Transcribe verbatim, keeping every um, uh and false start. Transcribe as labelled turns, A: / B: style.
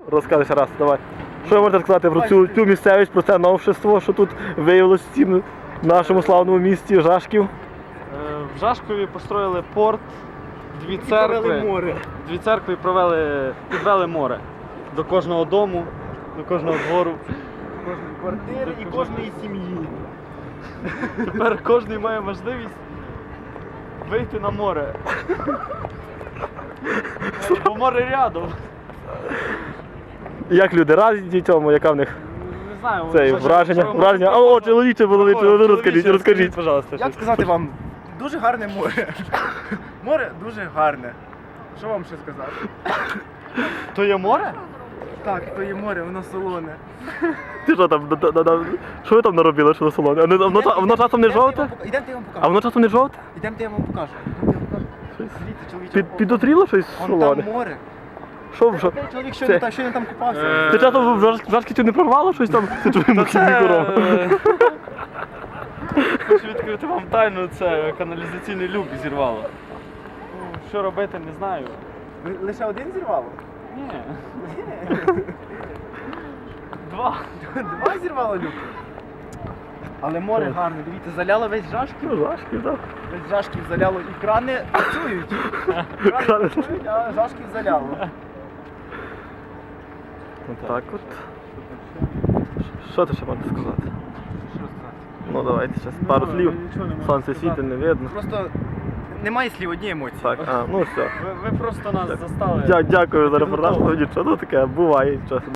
A: Розкажи ще раз, давай. Що ви можете сказати про цю, цю місцевість, про це новшество, що тут виявилось в цім нашому славному місті Жашків?
B: Е, В Жашкові построїли порт, дві церкви,
C: море.
B: дві церкви і провели, підвели море до кожного дому, до кожного двору.
C: Кожної квартири і кожної сім'ї.
B: Тепер кожен має можливість вийти на море. Бо море рядом.
A: Як люди раді цьому, яка в них
B: Не знаю,
A: це
B: що- що-
A: враження?
B: що ви
A: враження?
B: можете
A: О, чоловіче, чоловіче,
B: Чоловіче,
A: розкажіть, розкажіть.
B: пожалуйста.
C: Як сказати вам, дуже гарне море. Море дуже гарне. Що вам ще сказати?
B: То є море?
C: Так, то є море, воно солоне.
A: Ти що там, да- да- да- що ви там наробили, що на салоні? А не- а воно, ча- а воно часом не жовте?
C: Ідемте, я вам
A: А
C: покажу.
A: воно часом не жовте?
C: Ідемте, я вам покажу. Ідемте, я вам покажу. Дивіться, чоловіче.
A: Під, підотріло щось в
C: Вон
A: салоні?
C: там море.
A: Що в жо-
C: Цей чоловік
A: Це-
C: щойно там, щойно там купався.
B: Е,
A: Ти часом в Жар- Жашківці не прорвало щось там? Це твоїм корова.
B: Е, Хочу відкрити вам тайну, це каналізаційний люк зірвало. Ну, що робити, не знаю.
C: Ли- Лише один зірвало?
B: Ні. Два.
C: Два зірвало люк. Але море гарне, дивіться, заляло весь Жашків.
A: Ну, Жашків, так.
C: Весь Жашків заляло і крани працюють. Крани
A: Крани.
C: працюють, а Жашків заляло.
A: Так от. Що ти ще можеш сказати?
C: Що сказати?
A: Ну давайте ще пару слів. Сонце світить, не видно.
C: Просто немає слів, одні емоції.
A: Так, а, ну все.
B: Ви, ви просто нас застали.
A: Дя- Дякую за репортаж, ну нічого, ну таке буває часом.